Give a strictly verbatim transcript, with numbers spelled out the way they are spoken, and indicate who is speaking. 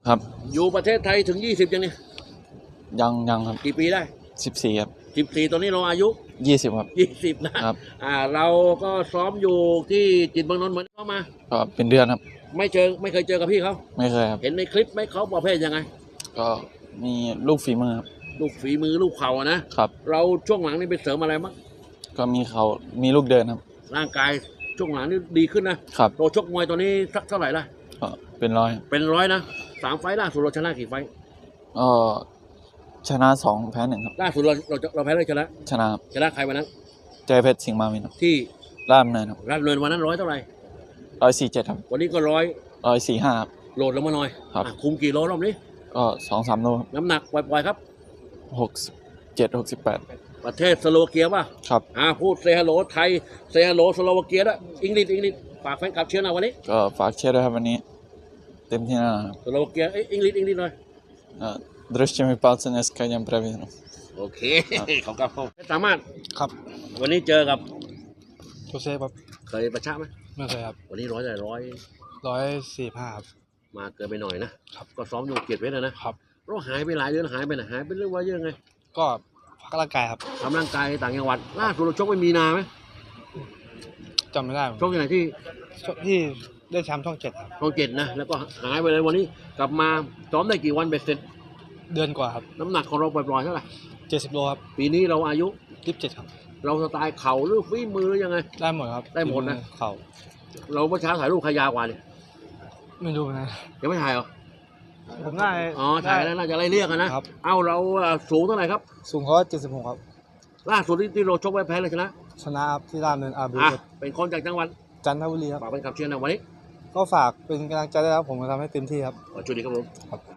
Speaker 1: ครับ
Speaker 2: อยู่ประเทศไทยถึงยี่สิบยังเนี่ย
Speaker 1: ยังยังครับ
Speaker 2: กี่ปีได้
Speaker 1: สิบสี่ครับ
Speaker 2: สิบสี่ตอนนี้เราอายุ
Speaker 1: ยี่สิบครับ
Speaker 2: ยี่สิบนะครับอ่าเราก็ซ้อมอยู่ที่จิตรเมืองนนท์เหมือนเข้ามา
Speaker 1: ก็เป็นเดือนครับ
Speaker 2: ไม่เจอไม่เคยเจอกับพี่เขา
Speaker 1: ไม่เคยครับ
Speaker 2: เห็นในคลิปไหมเขาประเภทยังไง
Speaker 1: ก็มีลูกฝีมือครับ
Speaker 2: ลูกฝีมือลูกเข่าอะนะครับเราช่วงหลังนี่ไปเสริมอะไรบ้าง
Speaker 1: ก็มีเขามีลูกเดินครับ
Speaker 2: ร่างกายช่วงหลังนี่ดีขึ้นนะครับเราชกมวยตอนนี้สักเท่าไหร่ละ
Speaker 1: ก็เป็นร้อย
Speaker 2: เป็นร้อยนะสามไฟล์ล่าสุดเราชนะกี่ไฟล์
Speaker 1: ก็ชนะสองแพ้หนึ่งครับ
Speaker 2: ล่าสุดเราเราเราแพ้เลยชนะ
Speaker 1: ชนะครับ
Speaker 2: ชนะใครวันนั้น
Speaker 1: เจเพชรสิงห์มาวินครับ
Speaker 2: ที่
Speaker 1: ล่ามเนินครับ
Speaker 2: ราชดำเนินวันนั้นร้อยเท่าไหร่
Speaker 1: ร้อยสี่เจ็ดครับ
Speaker 2: วันนี้ก็ร้อย
Speaker 1: ร้อยสี่ห้าครับ
Speaker 2: โหลดลงมาหน่อย
Speaker 1: ครับ
Speaker 2: คุมกี่โลรอบนี้
Speaker 1: ก็สองสามโล
Speaker 2: น้ำหนักปล่อยๆครับ
Speaker 1: หกเจ็ดหกสิบแปด
Speaker 2: ประเทศสโลวาเกียป่ะ
Speaker 1: ครับ
Speaker 2: อ่าพูดเซฮัลโหลไทยเซฮัลโหลสโลวาเกียด้วยอังกฤษอังกฤษฝากแฟนคลับเชียร์นะวันนี้
Speaker 1: ก็ฝากเชียร์ด้วยครับวันนี้เต็มที่แน่นอนครับ
Speaker 2: สโลวาเกียอังกฤษอังกฤษหน่อย
Speaker 1: Držte mi palce, dneska idem previdno.
Speaker 2: โอเคเขาก็สามารถ
Speaker 3: ครับ
Speaker 2: วันนี้เจอกับ
Speaker 3: โจเซฟครับ
Speaker 2: เคยประชาไหม
Speaker 3: ไม่เคยครับ
Speaker 2: วันนี้ร้อยได้ร้อย
Speaker 3: ร้อยสี่ห้าครับ
Speaker 2: มาเกินไปหน่อยนะครับก็ซ้อมอยู่เกียรติเพชรนะครับเราหายไปหลายเดือนหายไปไหนหายไปเรื่องว่าเยอะไง
Speaker 3: ก็พักร่างกายครับ
Speaker 2: ทำร่างกายต่างจังหวัดล่าสุดเราชกไปมีนาไหม
Speaker 3: จำไม่ได้
Speaker 2: ชกที่ไหนที่
Speaker 3: ที่ได้แชมป์ช่องเจ็ดครับ
Speaker 2: ช่องเจ็ดนะแล้วก็หายไปเลยวันนี้กลับมาซ้อมได้กี่วันเบ็ดเสร็จ
Speaker 3: เดือนกว่าครับ
Speaker 2: น้ำหนักของเราปล่อยๆเท่าไหร่
Speaker 3: เจ็ดสิบโลครับ
Speaker 2: ปีนี้เราอายุ
Speaker 3: ยี่สิบเจ็ดครับ
Speaker 2: เราสไตล์เข่าหรือฝีมือยังไง
Speaker 3: ได้หมดครับ
Speaker 2: ได้หมดนะ
Speaker 3: เข่า
Speaker 2: เราเมื่อเช้าถ่ายรูปขยาวกว่าเนี่ย
Speaker 3: ไม่รู้นะ
Speaker 2: ยังไม่ถ่ายเหรอ
Speaker 3: ผมได้
Speaker 2: อ๋อถ่ายแล้วน่าจะไล่เรียกกันนะครับเอ้าเราสูงเท่าไหร่ครับ
Speaker 3: สูงเขาเจ็ดสิบหกครับ
Speaker 2: ล่าสุดที่เราชกไว้แพ้เลยชนะ
Speaker 3: ชนะครับที่ราชดำเนินอาบี
Speaker 2: เป็นคนจากจังหวัด
Speaker 3: จันทบุรีครับ
Speaker 2: ฝากเป็นคำเชียร์นะวันนี้
Speaker 3: ก็ฝากเป็นกำลังใจได้ครับผมจะทำให้เต็มที่ครับ
Speaker 2: ขอช่วยดีครับผม